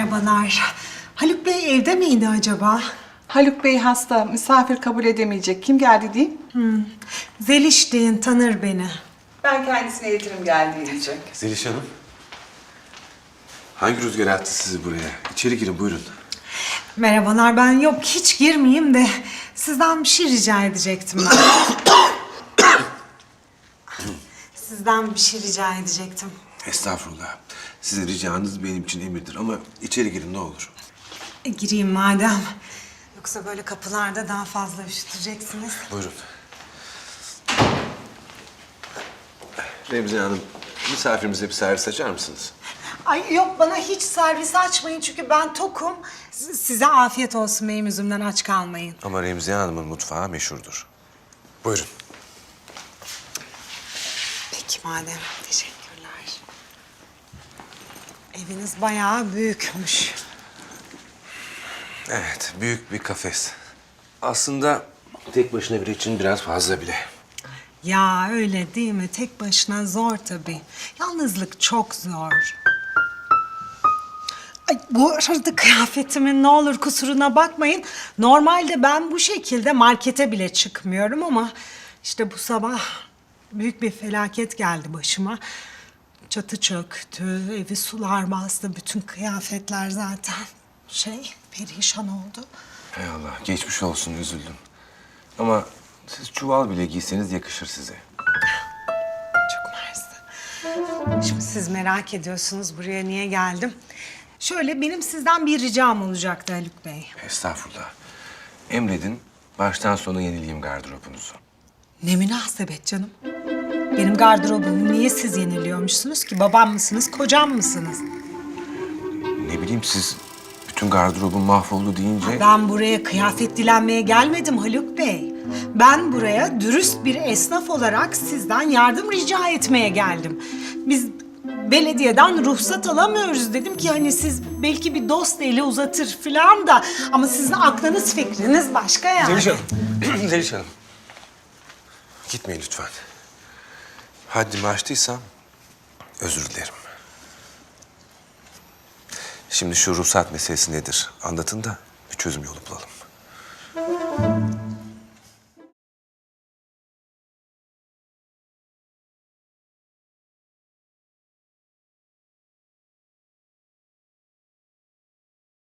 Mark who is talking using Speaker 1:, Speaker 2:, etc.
Speaker 1: Merhabalar. Haluk Bey evde miydi acaba?
Speaker 2: Haluk Bey hasta, misafir kabul edemeyecek. Kim geldi diyeyim?
Speaker 1: Zeliş deyin, tanır beni.
Speaker 2: Ben kendisine iletirim geldiği diyecek.
Speaker 3: Zeliş Hanım. Hangi rüzgar attı sizi buraya? İçeri girin buyurun.
Speaker 1: Merhabalar, ben yok hiç girmeyeyim de sizden bir şey rica edecektim ben. Sizden bir şey rica edecektim.
Speaker 3: Estağfurullah. Sizin ricanız benim için emirdir ama içeri girin ne olur.
Speaker 1: Gireyim madem. Yoksa böyle kapılarda daha fazla üşüteceksiniz.
Speaker 3: Buyurun. Remziye Hanım, misafirimize bir servis açar mısınız?
Speaker 1: Ay yok, bana hiç servis açmayın çünkü ben tokum. Size afiyet olsun, benim yüzümden aç kalmayın.
Speaker 3: Ama Remziye Hanım'ın mutfağı meşhurdur. Buyurun.
Speaker 1: Peki madem, teşekkürler. Eviniz bayağı büyükmüş.
Speaker 3: Evet, büyük bir kafes. Aslında tek başına biri için biraz fazla bile.
Speaker 1: Ya öyle değil mi? Tek başına zor tabii. Yalnızlık çok zor. Ay, bu arada kıyafetimin ne olur kusuruna bakmayın. Normalde ben bu şekilde markete bile çıkmıyorum ama işte bu sabah büyük bir felaket geldi başıma. Çatı çöktü, evi sular bastı, bütün kıyafetler zaten perişan oldu.
Speaker 3: Hay Allah, geçmiş olsun, üzüldüm. Ama siz çuval bile giyseniz yakışır size.
Speaker 1: Çok mersi. Şimdi siz merak ediyorsunuz buraya niye geldim. Şöyle, benim sizden bir ricam olacaktı Haluk Bey.
Speaker 3: Estağfurullah. Emredin, baştan sona yenileyim gardırobunuzu.
Speaker 1: Ne münasebet canım. Benim gardırobumu niye siz yeniliyormuşsunuz ki? Babam mısınız, kocam mısınız?
Speaker 3: Ne bileyim siz bütün gardırobun mahvoldu deyince...
Speaker 1: Ben buraya kıyafet dilenmeye gelmedim Haluk Bey. Ben buraya dürüst bir esnaf olarak sizden yardım rica etmeye geldim. Biz belediyeden ruhsat alamıyoruz. Dedim ki hani siz belki bir dost eli uzatır falan da... Ama sizin aklınız fikriniz başka yani.
Speaker 3: Zeliş Hanım, Zeliş Hanım. Gitmeyin lütfen. Haddimi aştıysam özür dilerim. Şimdi şu ruhsat meselesi nedir? Anlatın da bir çözüm yolu bulalım.